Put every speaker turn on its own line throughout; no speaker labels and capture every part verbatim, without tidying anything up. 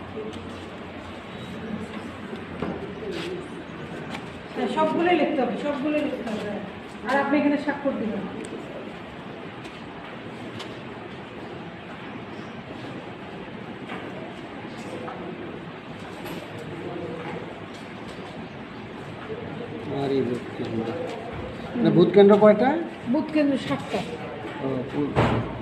সবগুলোই লিখতে হবে, সবগুলোই লিখতে হবে। আর আপনি এখানে স্বাক্ষর দিবেন।
আর এই ভোট কেন্দ্র, না ভোট কেন্দ্র কয়টা?
বুথ কেন্দ্র সাতটা।
ও, পু-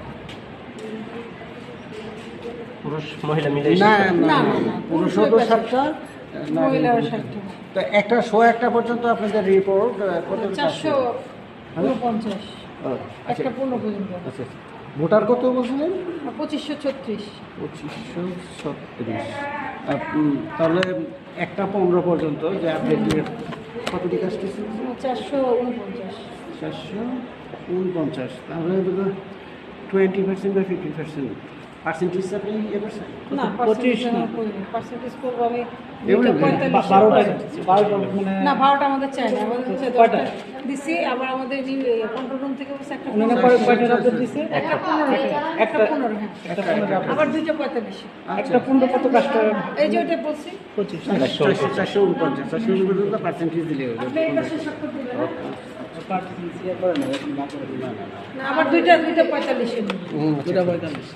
পুরুষ মহিলা মিলে
না
না,
না
না, না,
পুরুষও তো সাতটা,
মহিলারা সাতটা।
তো একটা শো একটা পর্যন্ত আপনাদের রিপোর্ট কত?
চারশো উনপঞ্চাশ,
ও, আচ্ছা
একটা পূর্ণ পর্যন্ত।
আচ্ছা ভোটার কত বলছিলেন?
পঁচিশশো ছত্রিশ।
পঁচিশশো ছত্রিশ। তাহলে একটা পনেরো পর্যন্ত যে আপনি কতটি কাজ করছেন?
চারশো উনপঞ্চাশ।
চারশো উনপঞ্চাশ। তাহলে টোয়েন্টি পার্সেন্ট বা ফিফটি পার্সেন্ট পার্সেন্টেজ আপনি ইয়ে করছেন?
না,
পঁচিশ না।
পার্সেন্টেজ করবো আমি
এগুলো
দুইটা পঁয়তাল্লিশ।
বারোটা বারোটা মানে
না, বারোটা আমাদের চাই না, আমাদের হচ্ছে
কয়টা?
দশটা দিছি। আবার আমাদের কন্ট্রোল রুম থেকে বলছে একটা
উনারা
পনেরো।
পরে কয়টা আপডেট দিছে?
একটা পনেরো, একটা পনেরো, হ্যাঁ।
একটা পনেরো update।
আবার দুইটা পঁয়তাল্লিশ।
একটা পনেরো কত কাজটা?
এই যে ওইটা বলছি।
পঁচিশ।
চারশো চারশো উনপঞ্চাশ চারশো উনপঞ্চাশ পার্সেন্টেজ দিলে হয়ে
আপনি এই
যাবে।
পাশে স্বাক্ষর দিবেন, হ্যাঁ?
ইয়ে করে না, এরকম না করে দিন।
না, আবার দুইটা দুইটা পঁয়তাল্লিশে নিন।
হুম,
দুটা পঁয়তাল্লিশ।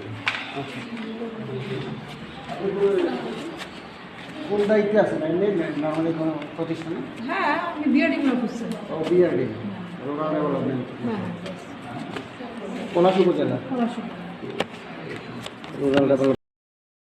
কোন দায়িত্বে আছেন এমনি নর্মালি কোনো প্রতিষ্ঠানে?
হ্যাঁ, আমি বিআরডি গুলো খুঁজছি।
ও বিআরডি, রুরাল ডেভেলপমেন্ট,
হ্যাঁ,
পলাশ উপজেলা
পড়াশোনা।
Rural development.